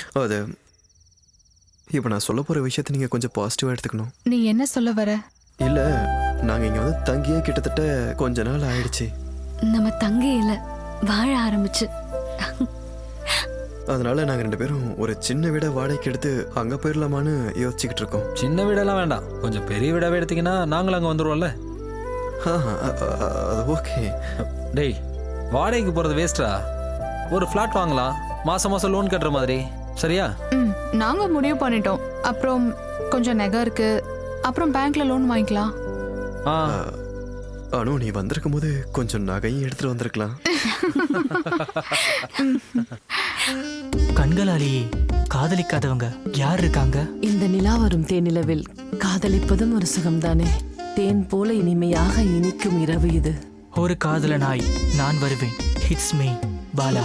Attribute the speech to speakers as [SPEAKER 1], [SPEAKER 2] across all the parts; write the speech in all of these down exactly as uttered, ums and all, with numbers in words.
[SPEAKER 1] அது இப்போ நான் சொல்ல போகிற விஷயத்தை நீங்கள் கொஞ்சம் பாசிட்டிவாக எடுத்துக்கணும்.
[SPEAKER 2] நீ என்ன சொல்ல வர?
[SPEAKER 1] இல்லை, நாங்கள் இங்கே வந்து தங்கியே கிட்டத்தட்ட கொஞ்ச நாள் ஆயிடுச்சு.
[SPEAKER 3] நம்ம தங்கையில வாழ ஆரம்பிச்சு.
[SPEAKER 1] அதனால நாங்கள் ரெண்டு பேரும் ஒரு சின்ன வீடை வாடகைக்கு எடுத்து அங்கே போயிடலாமான்னு யோசிச்சுக்கிட்டு இருக்கோம்.
[SPEAKER 4] சின்ன வீடெல்லாம் வேண்டாம், கொஞ்சம் பெரிய வீடாவே எடுத்தீங்கன்னா நாங்களும் அங்கே வந்துடுவோம்ல.
[SPEAKER 1] ஆ அ- அ- அது ஓகே.
[SPEAKER 4] டேய், வாடகைக்கு போகிறது வேஸ்டா. ஒரு ஃப்ளாட் வாங்கலாம், மாதம் மாதம் லோன் கட்டுற மாதிரி. சரியா?
[SPEAKER 2] ம் நாங்க முடிவு பண்ணிட்டோம். அப்புறம் கொஞ்சம் நகை இருக்கு, அப்புறம் பேங்க்ல லோன் வாங்கிக்கலாம்.
[SPEAKER 4] ஆ
[SPEAKER 1] அனு, நீ வந்திருக்கும் போது கொஞ்சம் நகையும் எடுத்துட்டு வந்திருக்கலாம்.
[SPEAKER 5] கண்களாலேயே காதலிக்காதவங்க யார் இருக்காங்க?
[SPEAKER 6] இந்த நிலா வரும் தேனிலவில் காதலிப்பதும் ஒரு சுகம்தானே. தேன் போல இனிமையாக இனிக்கும் இரவு இது.
[SPEAKER 5] ஒரு காதலனாய் நான் வருவேன். It's me Bala.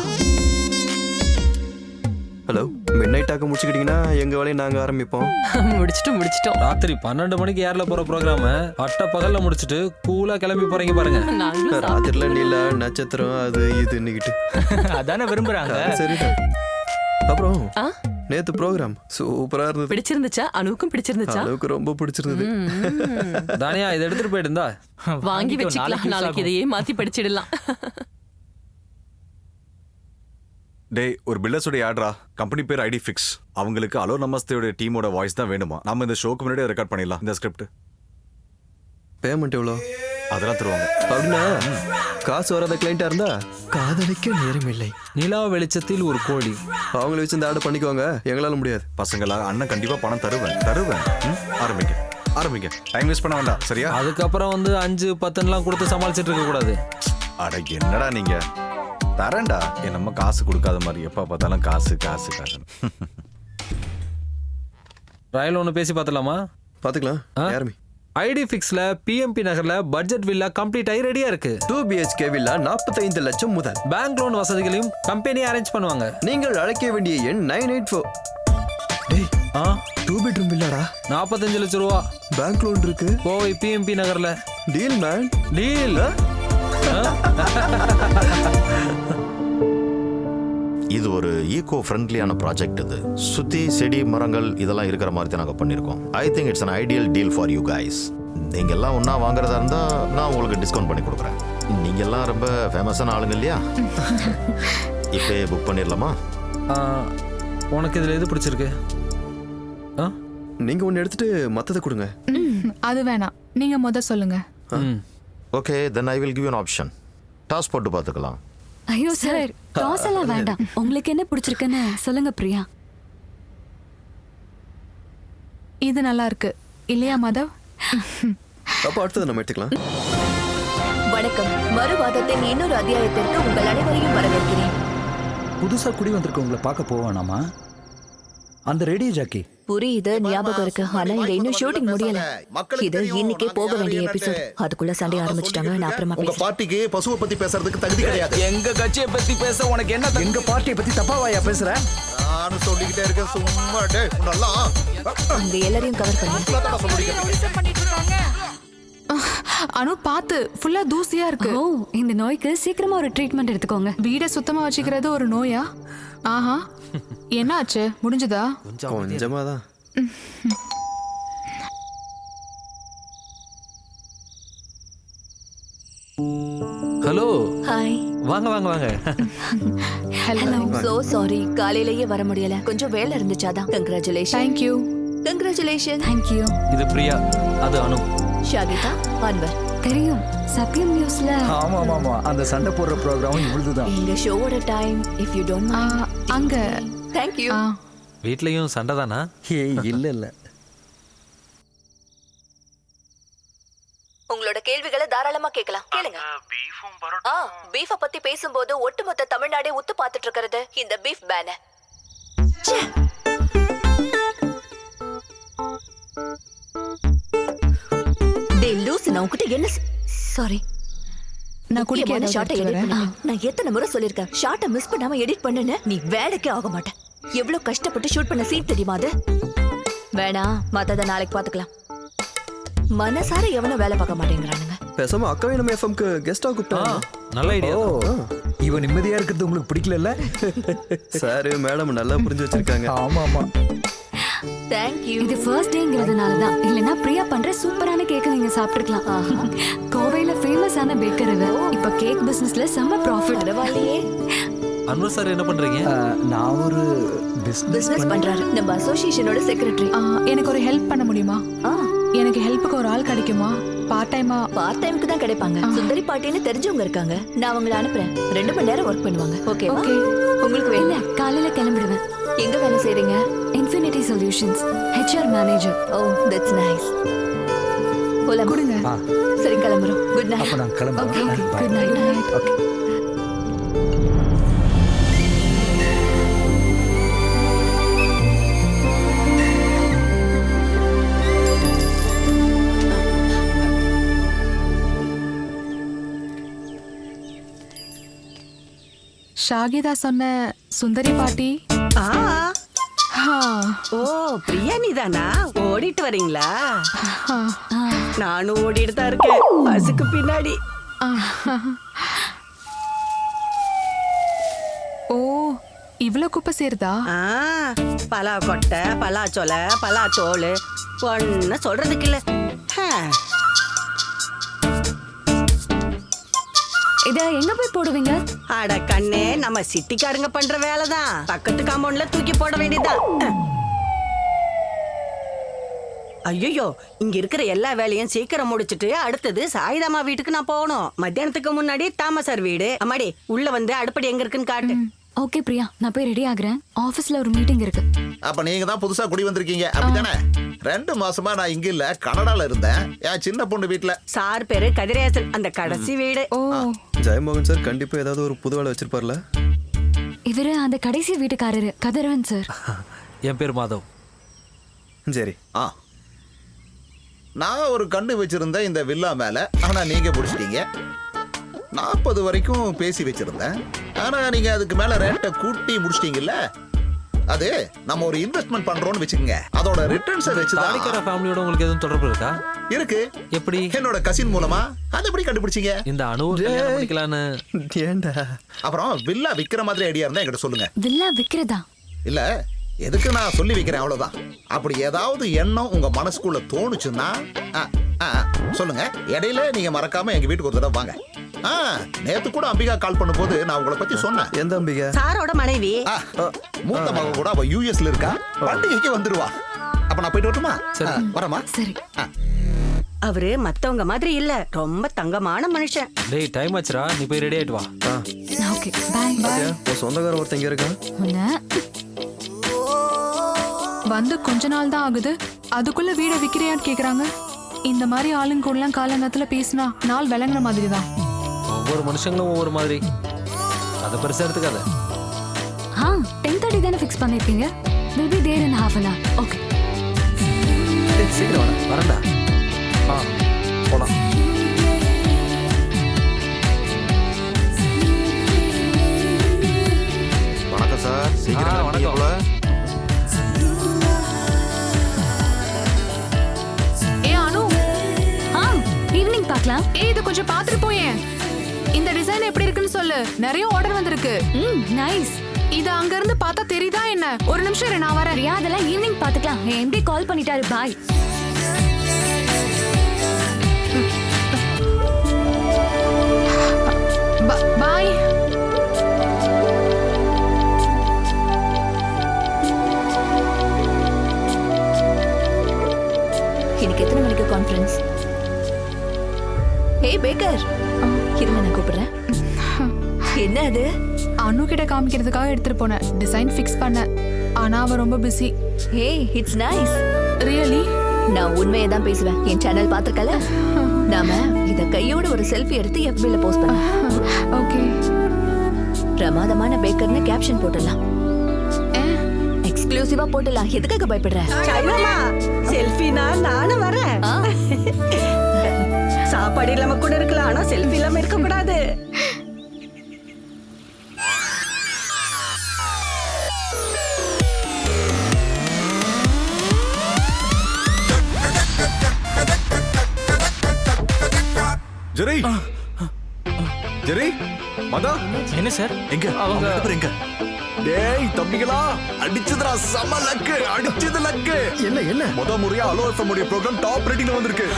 [SPEAKER 1] Hello, midnight டாக்க முடிச்சுக்கிட்டீங்கன்னா எங்கள் வேலையை நாங்கள் ஆரம்பிப்போம்.
[SPEAKER 6] முடிச்சிட்டு முடிச்சிட்டோம்.
[SPEAKER 4] ராத்திரி பன்னெண்டு மணிக்கு ஏர்ல போகிற ப்ரோக்ராம அட்ட பகலில் முடிச்சுட்டு கூலாக கிளம்பி போகிறீங்க பாருங்க.
[SPEAKER 6] நாங்களும்
[SPEAKER 1] ராத்திரில நிலா நட்சத்திரம் அது இதுன்னுக்கிட்டு
[SPEAKER 5] அதானே விரும்புறாங்க.
[SPEAKER 1] சரிதான். அப்புறம்
[SPEAKER 6] ஆ?
[SPEAKER 1] நேத்து ப்ரோக்ராம் சூப்பரா இருந்தது.
[SPEAKER 6] பிடிச்சிருந்துச்சா? அனுவுக்கும் பிடிச்சிருந்துச்சா?
[SPEAKER 1] அளவுக்கு ரொம்ப பிடிச்சிருந்தது.
[SPEAKER 4] தானியா, இதை எடுத்துட்டு போயிட்டு இருந்தா
[SPEAKER 6] வாங்கி வச்சுக்கலாம், நாளைக்கு இதையே மாத்தி படிச்சிடலாம்.
[SPEAKER 7] டேய், ஒரு பில்டர்ஸோட ஆட்ரா. கம்பெனி பேர் ஐடி ஃபிக்ஸ். அவங்களுக்கு அலோ நமஸ்தேயோட டீமோட வாய்ஸ் தான் வேணுமா. நம்ம இந்த ஷோக்கு முன்னாடி ரெக்கார்ட் பண்ணிடலாம். இந்த ஸ்கிரிப்ட்
[SPEAKER 1] பேமெண்ட் எவ்வளோ?
[SPEAKER 7] அதெல்லாம் தருவாங்க.
[SPEAKER 1] அப்படின்னா காசு வராத கிளைண்டா இருந்தா காதலிக்க நேரம் இல்லை.
[SPEAKER 4] நிலா வெளிச்சத்தில் ஒரு கோழி.
[SPEAKER 1] அவங்கள வச்சு இந்த ஆர்டர் பண்ணிக்குவாங்க, எங்களால முடியாது.
[SPEAKER 7] பசங்களா, அண்ணன் கண்டிப்பா பணம் தருவேன் தருவேன் ம்? ஆரம்பிங்க ஆரம்பிங்க. டைம் வேஸ்ட் பண்ண வேண்டாம். சரியா?
[SPEAKER 4] அதுக்கப்புறம் வந்து அஞ்சு பத்துலாம் கொடுத்து சமாளிச்சுட்டு இருக்க கூடாது.
[SPEAKER 7] அட என்னடா நீங்க, தரேன்டா. என் நம்ம காசு கொடுக்காத மாதிரி எப்ப பார்த்தாலும் காசு காசு காசு.
[SPEAKER 4] ரயில் ஒன்று பேசி பார்த்துலாமா?
[SPEAKER 1] பாத்துக்கலாம். யாருமே
[SPEAKER 4] ஐடி ஃபிக்ஸ்ல பிஎம்பி நகர்ல பட்ஜெட் வில்லா கம்ப்ளீட் ஆகி ரெடியா இருக்கு.
[SPEAKER 1] டூ பிஹெச்கே வில்லா நாற்பத்தைந்து லட்சம் முதல்.
[SPEAKER 4] பேங்க் லோன் வசதிகளையும் கம்பெனி அரேஞ்ச் பண்ணுவாங்க.
[SPEAKER 1] நீங்கள் அழைக்க வேண்டிய எண் நைன் எயிட் ஃபோர். டேய்,
[SPEAKER 4] ஆ
[SPEAKER 1] டூ பெட்ரூம் வில்லாடா,
[SPEAKER 4] நாற்பத்தஞ்சு லட்சம் ரூபா.
[SPEAKER 1] பேங்க் லோன் இருக்கு.
[SPEAKER 4] கோவை பிஎம்பி நகர்ல
[SPEAKER 1] டீல் மேன்,
[SPEAKER 4] டீல்.
[SPEAKER 8] இது ஒரு ஈகோ ஃப்ரெண்ட்லியான ப்ராஜெக்ட். இது சுற்றி செடி மரங்கள் இதெல்லாம் இருக்கிற மாதிரி தான் நாங்கள் பண்ணியிருக்கோம். I think it's an ideal deal for you guys. நீங்கள் எல்லாம் ஒன்றா வாங்குறதா இருந்தால் நான் உங்களுக்கு டிஸ்கவுண்ட் பண்ணி கொடுக்குறேன். நீங்கள் எல்லாம் ரொம்ப ஃபேமஸான ஆளுங்க இல்லையா? இப்போ புக் பண்ணிடலாமா?
[SPEAKER 4] உனக்கு இதில் எது பிடிச்சிருக்கு? ஆ
[SPEAKER 1] நீங்க ஒன்னு எடுத்துட்டு மத்தத கொடுங்க.
[SPEAKER 2] ம், அது வேணாம், நீங்க முத சொல்லுங்க.
[SPEAKER 4] Hmm
[SPEAKER 8] okay, then I will give you an option. Toss போட்டு பார்த்துக்கலாம்.
[SPEAKER 3] ஐயோ சார், டாஸ் எல்லாம் வேண்டாம். உங்களுக்கு என்ன பிடிச்சிருக்குன்னு சொல்லுங்க பிரியா.
[SPEAKER 2] இது நல்லா இருக்கு இல்லையா மாதவ்?
[SPEAKER 1] அப்ப அடுத்தது நம்ம எடுத்துக்கலாம்.
[SPEAKER 9] வணக்கம். மறுவாதத்தின் இன்னொரு அத்தியாயத்திற்கு உங்கள் அனைவரையும் வரவேற்கிறேன்.
[SPEAKER 10] புதுசா குடி வந்திருக்கவங்களை பார்க்க போவானாமா? அந்த ரேடியோ ஜாக்கி
[SPEAKER 9] புரியுது, ஞாபகம் இருக்கு. ஆனா இங்க இன்னும் ஷூட்டிங் முடியல. இது இன்னைக்கே போக வேண்டிய எபிசோட். அதுக்குள்ள சண்டை ஆரம்பிச்சிட்டாங்க. நான் அப்புறமா
[SPEAKER 11] உங்க பார்ட்டிக்கு பசுவை பத்தி பேசுறதுக்கு தகுதி கிடையாது.
[SPEAKER 10] எங்க கட்சியை பத்தி பேச உனக்கு என்ன? எங்க பார்ட்டியை பத்தி தப்பாவாயா பேசுற?
[SPEAKER 11] நானும் சொல்லிக்கிட்டே இருக்கேன். சும்மா டேய் நல்லா
[SPEAKER 9] அங்க எல்லாரையும் கவர் பண்ணி.
[SPEAKER 2] அனு பாத்து, ஃபுல்லா தூசியா இருக்கு.
[SPEAKER 3] ஓ, இந்த நோய்க்கு சீக்கிரமா ஒரு ட்ரீட்மெண்ட் எடுத்துக்கோங்க.
[SPEAKER 2] வீடை சுத்தமா வச்சுக்கிறது ஒரு நோயா? ஆஹா, என்ன ஆச்சு? முடிஞ்சதா?
[SPEAKER 1] கொஞ்சமா தான்.
[SPEAKER 4] Hello,
[SPEAKER 9] hi.
[SPEAKER 4] வாங்க வாங்க வாங்க.
[SPEAKER 2] ஹலோ.
[SPEAKER 9] சோ சாரி, காலையிலேயே வர முடியல. கொஞ்சம் வேலை இருந்துச்சாதான். Congratulation.
[SPEAKER 2] Thank you.
[SPEAKER 9] Congratulation.
[SPEAKER 3] Thank you.
[SPEAKER 4] இது பிரியா, அது அனு.
[SPEAKER 9] ஷாகிதா, அன்வர்.
[SPEAKER 3] தெரியும், சத்யம் நியூஸ்ல.
[SPEAKER 10] ஆமா ஆமா, அந்த சண்டை போடுற ப்ரோக்ராம் இவ்வளவுதான்.
[SPEAKER 9] எங்க ஷோவோட time, if you don't
[SPEAKER 2] ah,
[SPEAKER 9] mind.
[SPEAKER 2] அங்க
[SPEAKER 9] தேங்க் யூ.
[SPEAKER 2] ஆ,
[SPEAKER 4] வீட்லயும் சண்டை தானா?
[SPEAKER 10] ஏய் இல்ல இல்ல.
[SPEAKER 9] உங்களோட கேள்விகளை தாராளமா கேட்கலாம். கேளுங்க. ஆ, பீஃப பத்தி பேசும்போது ஒட்டுமொத்த தமிழ்நாடே உத்து பார்த்துட்டு இருக்கிறது இந்த பீஃப் பேன. டேய் லூசு, நான் உன்கிட்ட என்ன சாரி
[SPEAKER 2] நான் குடிக்க
[SPEAKER 9] ஷார்ட்டை எடிட் பண்ண. நான் எத்தனை முறை சொல்லிருக்கேன், ஷார்ட்டை மிஸ் பண்ணாம எடிட் பண்ணுன்னு. நீ வேலைக்கே ஆக மாட்டேன். எவ்வளவு கஷ்டப்பட்டு ஷூட் பண்ண சீன் தெரியுமா அது? வேணாம், மத்தத நாளைக்கு பாத்துக்கலாம். மனசார எவனும் வேலை பார்க்க மாட்டேங்கிறானுங்க.
[SPEAKER 1] பேசாம அக்காவை நம்ம எஃப்எம்க்கு கெஸ்டா கூப்பிட்டா
[SPEAKER 4] நல்ல ஐடியா.
[SPEAKER 1] ஓ
[SPEAKER 10] இவன் நிம்மதியா இருக்கிறது உங்களுக்கு பிடிக்கல?
[SPEAKER 1] சார் மேடம் நல்லா புரிஞ்சு வச்சிருக்காங்க.
[SPEAKER 10] ஆமா ஆமா.
[SPEAKER 9] தேங்க்யூ.
[SPEAKER 3] இது ஃபர்ஸ்ட் டேங்கிறதுனால தான். இல்லனா பிரியா பண்ற சூப்பரான கேக் நீங்க சாப்பிட்டுக்கலாம். கோவையில ஃபேமஸான பேக்கர் இது. இப்ப கேக் பிசினஸ்ல செம்ம ப்ராஃபிட்.
[SPEAKER 9] பரவாயில்லையே.
[SPEAKER 4] அன்வர் சார் என்ன பண்றீங்க?
[SPEAKER 10] நான் ஒரு பிசினஸ்
[SPEAKER 9] பிசினஸ் பண்றாரு. நம்ம அசோசியேஷனோட செக்ரட்டரி.
[SPEAKER 2] எனக்கு ஒரு ஹெல்ப் பண்ண முடியுமா?
[SPEAKER 9] ஆ,
[SPEAKER 2] எனக்கு ஹெல்ப்புக்கு ஒரு ஆள் கிடைக்குமா? பார்ட் டைமா?
[SPEAKER 9] பார்ட் டைம்க்கு தான் கிடைப்பாங்க. சுந்தரி பாட்டின்னு தெரிஞ்சவங்க இருக்காங்க. நான் அவங்கள அனுப்புறேன். ரெண்டு மணி நேரம் ஒர்க் பண்ணுவாங்க. ஓகேவா?
[SPEAKER 2] ஓகே.
[SPEAKER 9] உங்களுக்கு
[SPEAKER 3] இல்ல
[SPEAKER 9] வேணும்?
[SPEAKER 3] காலையில கிளம்பிடுவேன்.
[SPEAKER 9] எங்க வேலை செய்றீங்க?
[SPEAKER 3] Infinity solutions HR manager.
[SPEAKER 9] Oh, that's nice. போலாம்.
[SPEAKER 2] கொடுங்க.
[SPEAKER 9] சரி கிளம்புறோம். Good night.
[SPEAKER 10] அப்ப நான் கிளம்புறேன்.
[SPEAKER 3] Okay,
[SPEAKER 10] Bye.
[SPEAKER 3] good night. Good night.
[SPEAKER 10] Okay.
[SPEAKER 2] ஷாகிதா சொன்ன சுந்தரி பாட்டி.
[SPEAKER 12] ஆ,
[SPEAKER 2] ஆ,
[SPEAKER 12] ஓ பிரியா நீதானா? ஓடிட்டு வரீங்களா?
[SPEAKER 2] ஆ,
[SPEAKER 12] நானும் ஓடிட்டு தான் இருக்கேன் பஸ்ஸுக்கு பின்னாடி.
[SPEAKER 2] ஆ. ஓ, இவ்ளோ குப்பை சேருதா?
[SPEAKER 12] ஆ, பலா கொட்டை, பலா சொலை, பலா தோல் ஒன்னு சொல்றதுக்கு இல்ல. ஹே,
[SPEAKER 3] இத எங்க போய் போடுவீங்க?
[SPEAKER 12] அட கண்ணே, நம்ம சிட்டிக்காரங்க பண்ற வேலைதான். பக்கத்து காம்பவுண்ட்ல தூக்கி போட வேண்டியதுதான். ஐயோ, இங்க இருக்கிற எல்லா வேலையும் சீக்கிரம் முடிச்சிட்டு அடுத்தது சாயிதாமா வீட்டுக்கு நான் போகணும். மத்தியானத்துக்கு முன்னாடி தாமசார் வீடு. அம்மாடி உள்ள வந்து அடுப்படி எங்க இருக்குன்னு காட்டு.
[SPEAKER 3] ஓகே பிரியா, நான் போய் ரெடி ஆகுறேன். ஆபீஸ்ல ஒரு மீட்டிங் இருக்கு.
[SPEAKER 11] அப்ப நீங்க தான் புதுசா குடி வந்திருக்கீங்க அப்படிதானே? ரெண்டு மாசமா நான் இங்க இல்ல, கனடால இருந்தேன். என் சின்ன பொண்ணு வீட்டுல.
[SPEAKER 12] சார் பேரு கதிரேசன். அந்த கடைசி வீடு.
[SPEAKER 2] ஓ,
[SPEAKER 1] ஜெயமோகன் சார் கண்டிப்பா ஏதாவது ஒரு புது வேலை வச்சிருப்பார்ல.
[SPEAKER 3] இவரு அந்த கடைசி வீட்டுக்காரரு கதிரவன் சார்.
[SPEAKER 4] என் பேர் மாதவ்.
[SPEAKER 1] சரி.
[SPEAKER 11] ஆ, நான் ஒரு கண்ணு வச்சிருந்தேன் இந்த வில்லா மேல. ஆனா நீங்க பிடிச்சிட்டீங்க. நாற்பது வரைக்கும் பேசி வச்சிருந்தேன். ஆனா நீங்க அதுக்கு மேல ரேட்டை கூட்டி முடிச்சிட்டீங்கல்ல. அது நம்ம ஒரு இன்வெஸ்ட்மெண்ட் பண்றோம்னு வச்சுக்கோங்க. அதோட ரிட்டர்ன்ஸை வச்சுதான்.
[SPEAKER 4] தாடிக்கார ஃபேமிலியோட உங்களுக்கு எதுவும் தொடர்பு இருக்கா?
[SPEAKER 11] இருக்கு.
[SPEAKER 4] எப்படி?
[SPEAKER 11] என்னோட கசின் மூலமா. அது எப்படி கண்டுபிடிச்சீங்க?
[SPEAKER 4] இந்த அணு கல்யாணம் பண்ணிக்கலான்னு.
[SPEAKER 1] ஏண்டா?
[SPEAKER 11] அப்புறம் வில்லா விக்கிற மாதிரி ஐடியா இருந்தா என்கிட்ட சொல்லுங்க.
[SPEAKER 3] வில்லா விக்கிறதா?
[SPEAKER 11] இல்ல, எதுக்கு நான் சொல்லி வைக்கிறேன் அவ்வளவுதான். அப்படி ஏதாவது எண்ணம் உங்க மனசுக்குள்ள தோணுச்சுன்னா ஆ, ஆ, சொல்லுங்க. இடையில நீங்க மறக்காம எங்க வீட்டுக்கு ஒரு தடவை வாங்க. ஆ, நேத்து கூட அம்பிகா கால் பண்ணும்போது நான் உங்களை பத்தி சொன்னேன்.
[SPEAKER 1] எந்த அம்பிகா?
[SPEAKER 12] சாரோட மனைவி.
[SPEAKER 11] ஆ, மூத்த மக கூட அவ யூஎஸ்ல இருக்கா. பண்டிகைக்கு வந்துருவா. அப்ப நான் போயிட்டு வரட்டுமா?
[SPEAKER 3] சரி.
[SPEAKER 11] ஆ, வரமா?
[SPEAKER 3] சரி.
[SPEAKER 12] அவரு மத்தவங்க மாதிரி இல்ல, ரொம்ப தங்கமான மனுஷன்.
[SPEAKER 4] டேய் டைம் ஆச்சுடா, நீ போய் ரெடி ஆயிட்டு வா.
[SPEAKER 3] Okay bye.
[SPEAKER 1] பாத்தியா, உன் சொந்தக்கார ஒருத்தன் இங்க இருக்கான்.
[SPEAKER 3] உன்ன
[SPEAKER 2] வந்து கொஞ்ச நாள் தான் ஆகுது, அதுக்குள்ள வீட விக்கிறியான்னு கேக்குறாங்க. இந்த மாதிரி ஆளுங்க கூடலாம் காலங்கத்துல பேசினா நாள் விளங்குற மாதிரி தான்.
[SPEAKER 4] ஒவ்வொரு மனுஷங்களும் ஒவ்வொரு மாதிரி. அதை பெருசா எடுத்துக்காத.
[SPEAKER 3] ஆ டென் தேர்ட்டி தானே ஃபிக்ஸ் பண்ணிருக்கீங்க. Will be there in half an hour. Okay
[SPEAKER 4] டேய், சீக்கிரம் வாடா. வரேன்டா. ஆ போலாம்.
[SPEAKER 8] வணக்கம் சார். சீக்கிரம்
[SPEAKER 4] ஆ,
[SPEAKER 8] வந்துட்டீங்க
[SPEAKER 4] வணக்கம்.
[SPEAKER 8] போல.
[SPEAKER 2] ஏ அனு,
[SPEAKER 3] ஆ ஈவினிங் பார்க்கலாம்.
[SPEAKER 2] ஏ இது கொஞ்சம் பாத்துட்டு போயேன். இந்த டிசைன் எப்படி இருக்குன்னு சொல்லு. நிறைய ஆர்டர் வந்திருக்கு.
[SPEAKER 3] ம் நைஸ்.
[SPEAKER 2] இது அங்க இருந்து பார்த்தா தெரியுதா என்ன? ஒரு நிமிஷம் இரு, நான் வரேன்.
[SPEAKER 3] பிரியா அதெல்லாம் ஈவினிங் பார்த்துக்கலாம். என் எம்டி கால் பண்ணிட்டாரு. பாய்.
[SPEAKER 2] பாய்.
[SPEAKER 9] இன்னைக்கு எத்தனை மணிக்கு கான்ஃபரன்ஸ்? ஏய் பேக்கர், இருங்க நான் கூப்பிடுறேன். என்ன அது?
[SPEAKER 2] அனு கிட்ட காமிக்கிறதுக்காக எடுத்துட்டு போனேன். டிசைன் ஃபிக்ஸ் பண்ண. ஆனா அவ ரொம்ப பிஸி.
[SPEAKER 9] ஏய் இட்ஸ் நைஸ்.
[SPEAKER 2] ரியலி?
[SPEAKER 9] நான் உண்மையை தான் பேசுவேன். என் சேனல் பாத்துக்கல. நாம இத கையோட ஒரு செல்ஃபி எடுத்து எஃபில போஸ்ட் பண்ணலாம்.
[SPEAKER 2] ஓகே.
[SPEAKER 9] பிரமாதமான பேக்கர்னு கேப்ஷன் போடலாம். எக்ஸ்க்ளூசிவா போடலாம். எதுக்காக பயப்படுற?
[SPEAKER 12] சாய்மாமா, செல்ஃபினா நானும் வரேன். சாப்பாடு இல்லாம கூட இருக்கலாம், ஆனா செல்ஃபி இல்லாம இருக்க கூடாது.
[SPEAKER 7] ஜெரி ஜெரி மதா
[SPEAKER 5] என்ன சார்
[SPEAKER 7] எங்க அவங்க ரெண்டு பேரும் எங்க டேய் தம்பிகளா அடிச்சதுடா சம லக்கு அடிச்சது லக்கு
[SPEAKER 1] என்ன என்ன
[SPEAKER 7] முத முறையா அலோ எஃப்எம் உடைய ப்ரோகிராம் டாப் ரேட்டிங்ல வந்திருக்கு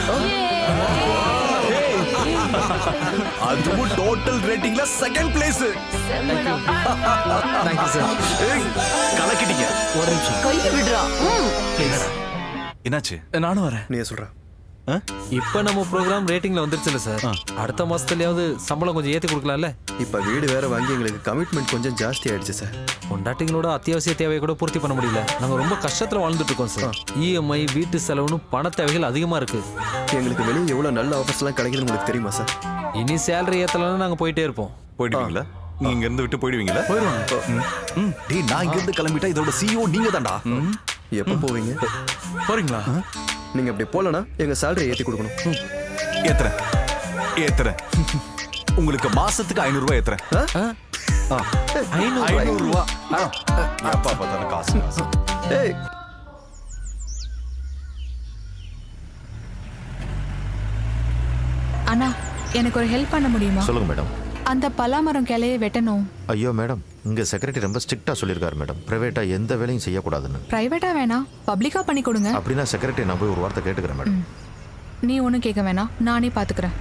[SPEAKER 7] அதுவும் டோட்டல் ரேட்டிங்ல செகண்ட் பிளேஸ்
[SPEAKER 4] தேங்க்யூ சார்.
[SPEAKER 7] கலக்கிட்டீங்க
[SPEAKER 4] ஒரு நிமிஷம்.
[SPEAKER 3] கையை விடுறா
[SPEAKER 7] என்னாச்சு
[SPEAKER 10] நானும் வரேன்.
[SPEAKER 1] நீ சொல்ற
[SPEAKER 4] இப்ப நம்ம ப்ரோக்ராம் ரேட்டிங்ல வந்துருச்சுல சார். அடுத்த மாசத்துலயாவது சம்பளம் கொஞ்சம் ஏத்தி கொடுக்கலாம்ல.
[SPEAKER 1] இப்ப வீடு வேற வாங்கி எங்களுக்கு கமிட்மெண்ட் கொஞ்சம் ஜாஸ்தி ஆயிடுச்சு சார்.
[SPEAKER 4] பொண்டாட்டிங்களோட அத்தியாவசிய தேவையை கூட பூர்த்தி பண்ண முடியல. நாங்க ரொம்ப கஷ்டத்துல வாழ்ந்துட்டு இருக்கோம் சார். இஎம்ஐ வீட்டு செலவுன்னு பண தேவைகள் அதிகமா இருக்கு.
[SPEAKER 1] எங்களுக்கு வெளியே எவ்வளவு நல்ல ஆஃபர்ஸ் எல்லாம் கிடைக்குதுன்னு உங்களுக்கு தெரியுமா சார்?
[SPEAKER 4] இனி சேலரி ஏத்தலன்னா நாங்க போயிட்டே இருப்போம்.
[SPEAKER 7] போயிடுவீங்களா? நீங்க இங்க இருந்து விட்டு போயிடுவீங்களா?
[SPEAKER 10] போயிடுவாங்க.
[SPEAKER 7] டேய் நான் இங்க இருந்து கிளம்பிட்டா இதோட சிஇஓ நீங்க தான்டா.
[SPEAKER 1] எப்போ போவீங்க?
[SPEAKER 10] போறீங்களா?
[SPEAKER 1] நீங்க அப்படி போலனா எங்க சேலரி ஏத்தி கொடுக்கணும்.
[SPEAKER 7] ஏத்துறேன் ஏத்துறேன் உங்களுக்கு மாசத்துக்கு ஐநூறு ரூபாய் ஏத்துறேன். ஐநூறு ரூபாய் அப்பா பார்த்தாலும் காசு காசு.
[SPEAKER 1] ஏய்
[SPEAKER 2] அண்ணா எனக்கு ஒரு ஹெல்ப் பண்ண முடியுமா?
[SPEAKER 8] சொல்லுங்க மேடம்.
[SPEAKER 2] அந்த பலாமரம் கிளையை வெட்டணும்.
[SPEAKER 8] ஐயோ மேடம், இங்க செக்ரட்டரி ரொம்ப ஸ்ட்ரிக்டா சொல்லியிருக்காரு மேடம், பிரைவேட்டா எந்த வேலையும் செய்யக்கூடாதுன்னு.
[SPEAKER 2] பிரைவேட்டா வேணாம், பப்ளிக்கா பண்ணி கொடுங்க.
[SPEAKER 8] அப்படின்னா செக்ரட்டரி நான் போய் ஒரு வார்த்தை கேட்டுக்கிறேன் மேடம்.
[SPEAKER 2] நீ ஒன்றும் கேட்க வேணாம், நானே பார்த்துக்கிறேன்.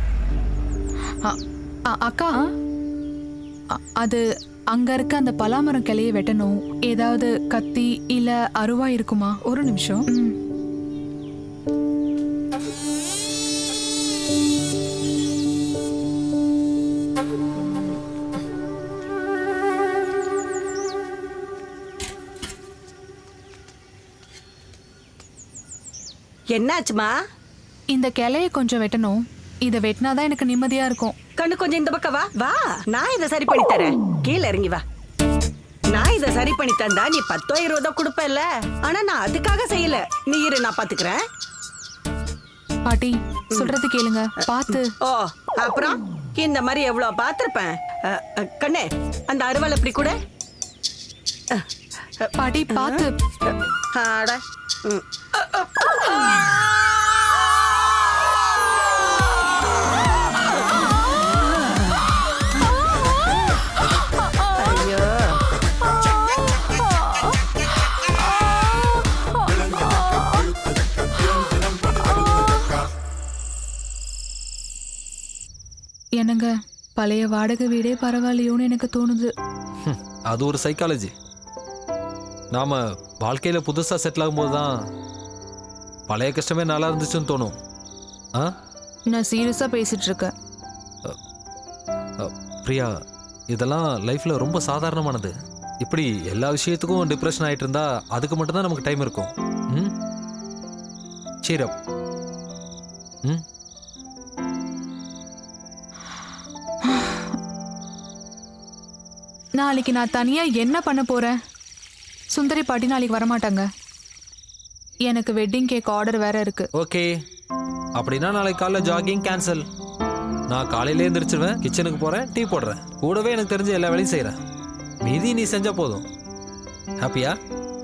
[SPEAKER 2] அக்கா அ- அது அங்க இருக்க அந்த பலாமரம் கிளையை வெட்டணும். ஏதாவது கத்தி இல்ல அருவா இருக்குமா? ஒரு நிமிஷம். ம்.
[SPEAKER 12] என்னாச்சுமா?
[SPEAKER 2] இந்த கிளையை கொஞ்சம் வெட்டணும். இதை வெட்டினாதான் எனக்கு நிம்மதியா இருக்கும்.
[SPEAKER 12] கண்ணு கொஞ்சம் இந்த பக்கம் வா வா, நான் இதை சரி பண்ணி தரேன். கீழே இறங்கி வா. நான் இதை சரி பண்ணி தந்தா நீ பத்தோ இருபதோ கொடுப்பல. ஆனா நான் அதுக்காக செய்யல. நீ இரு, நான் பாத்துக்கிறேன்.
[SPEAKER 2] பாட்டி சொல்றது கேளுங்க, பார்த்து.
[SPEAKER 12] ஓ அப்புறம் இந்த மாதிரி எவ்வளவு பார்த்திருப்பேன். அ, அ, கண்ணே அந்த அருவாள் எப்படி கூட.
[SPEAKER 2] பாட்டி பார்த்து.
[SPEAKER 12] ஆட ம். ஐயோ
[SPEAKER 2] என்னங்க, பழைய வாடகை வீடே பரவாயில்லையோன்னு எனக்கு தோணுது.
[SPEAKER 4] அது ஒரு சைக்காலஜி. நாம வாழ்க்கையில புதுசா செட்டில் ஆகும்போது தான் பழைய கஷ்டமே நல்லா இருந்துச்சுன்னு தோணும். ஆ
[SPEAKER 2] நான் சீரியஸா பேசிட்டு இருக்கேன்.
[SPEAKER 4] அ, பிரியா, இதெல்லாம் லைஃப்ல ரொம்ப சாதாரணமானது. இப்படி எல்லா விஷயத்துக்கும் டிப்ரெஷன் ஆயிட்டு இருந்தா அதுக்கு மட்டும்தான் நமக்கு டைம் இருக்கும். ம் cheer up. ம்
[SPEAKER 2] நாளைக்கு நான் தனியா என்ன பண்ண போறேன்? சுந்தரி பாட்டி நாளைக்கு வரமாட்டாங்க. எனக்கு வெட்டிங் கேக் ஆர்டர் வேற இருக்கு.
[SPEAKER 4] ஓகே, அப்படின்னா நாளைக்கு காலைல ஜாகிங் கேன்சல். நான் காலையில எழுந்திரிச்சிருவேன், கிச்சனுக்கு போறேன், டீ போடுறேன், கூடவே எனக்கு தெரிஞ்ச எல்லா வேலையும் செய்யறேன். மீதி நீ செஞ்சா போதும். ஹாப்பியா?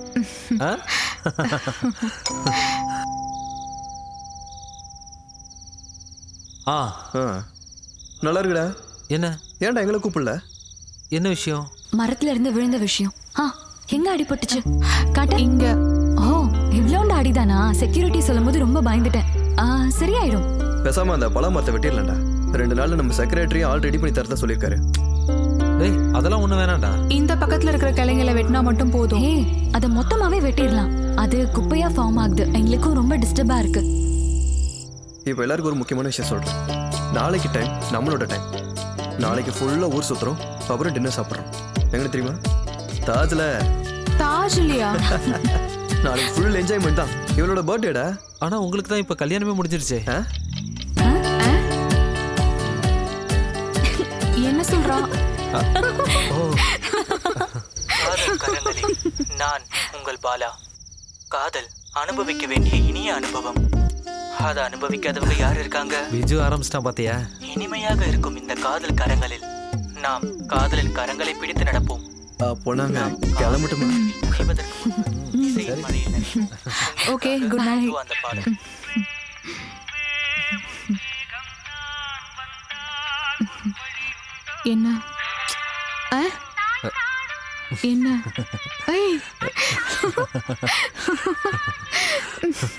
[SPEAKER 4] ஆ
[SPEAKER 1] ஆ நல்லா இருக்குடா.
[SPEAKER 4] என்ன
[SPEAKER 1] ஏன்டா எங்களை கூப்பிடல?
[SPEAKER 4] என்ன விஷயம்?
[SPEAKER 3] மரத்துல இருந்து விழுந்த விஷயம். ஆ எங்க அடிபட்டுச்சு? காட்ட.
[SPEAKER 2] இங்க.
[SPEAKER 3] ஓ இவ்வளோண்டு அடிதானா? செக்யூரிட்டி சொல்லும் போது ரொம்ப பயந்துட்டேன். ஆ சரியாயிடும்.
[SPEAKER 1] பேசாம அந்த பழ மரத்தை வெட்டிடலாம்டா. ரெண்டு நாள்ல நம்ம செக்ரட்டரி ஆல் ரெடி பண்ணி தரதா சொல்லியிருக்காரு.
[SPEAKER 4] டேய் அதெல்லாம் ஒண்ணு வேணாம்டா.
[SPEAKER 2] இந்த பக்கத்துல இருக்கிற கிளைங்களை வெட்டினா மட்டும் போதும்.
[SPEAKER 3] ஏய் அதை மொத்தமாவே வெட்டிடலாம். அது குப்பையா ஃபார்ம் ஆகுது, எங்களுக்கும் ரொம்ப டிஸ்டர்பா இருக்கு.
[SPEAKER 1] இப்போ எல்லாருக்கும் ஒரு முக்கியமான விஷயம் சொல்றேன். நாளைக்கு டைம் நம்மளோட டைம். நாளைக்கு ஃபுல்லா ஊர் சுத்துறோம், அப்புறம் டின்னர் சாப்பிட்றோம். எங்களுக்கு தெரியுமா? தாஜ்ல.
[SPEAKER 2] தாஜ் இல்லையா?
[SPEAKER 1] நாளைக்கு ஃபுல் என்ஜாய்மெண்ட் தான். இவளோட பர்த்டேடா.
[SPEAKER 4] ஆனா உங்களுக்கு தான் இப்ப கல்யாணமே முடிஞ்சிருச்சே.
[SPEAKER 2] என்ன சொல்றான்?
[SPEAKER 5] காதல் கரங்களில் நான் உங்கள் பாலா. காதல் அனுபவிக்க வேண்டிய இனிய அனுபவம். அதை அனுபவிக்காதவங்க யார் இருக்காங்க?
[SPEAKER 4] விஜு ஆரம்பிச்சிட்டான் பாத்தியா?
[SPEAKER 5] இனிமையாக இருக்கும் இந்த காதல் கரங்களில் நாம் காதலின் கரங்களை பிடித்து நடப்போம்.
[SPEAKER 1] போனாங்க கிளம்பட்டுமா?
[SPEAKER 2] Okay good night.
[SPEAKER 5] அந்த பாடல்
[SPEAKER 2] என்ன ஆ? என்ன ஐ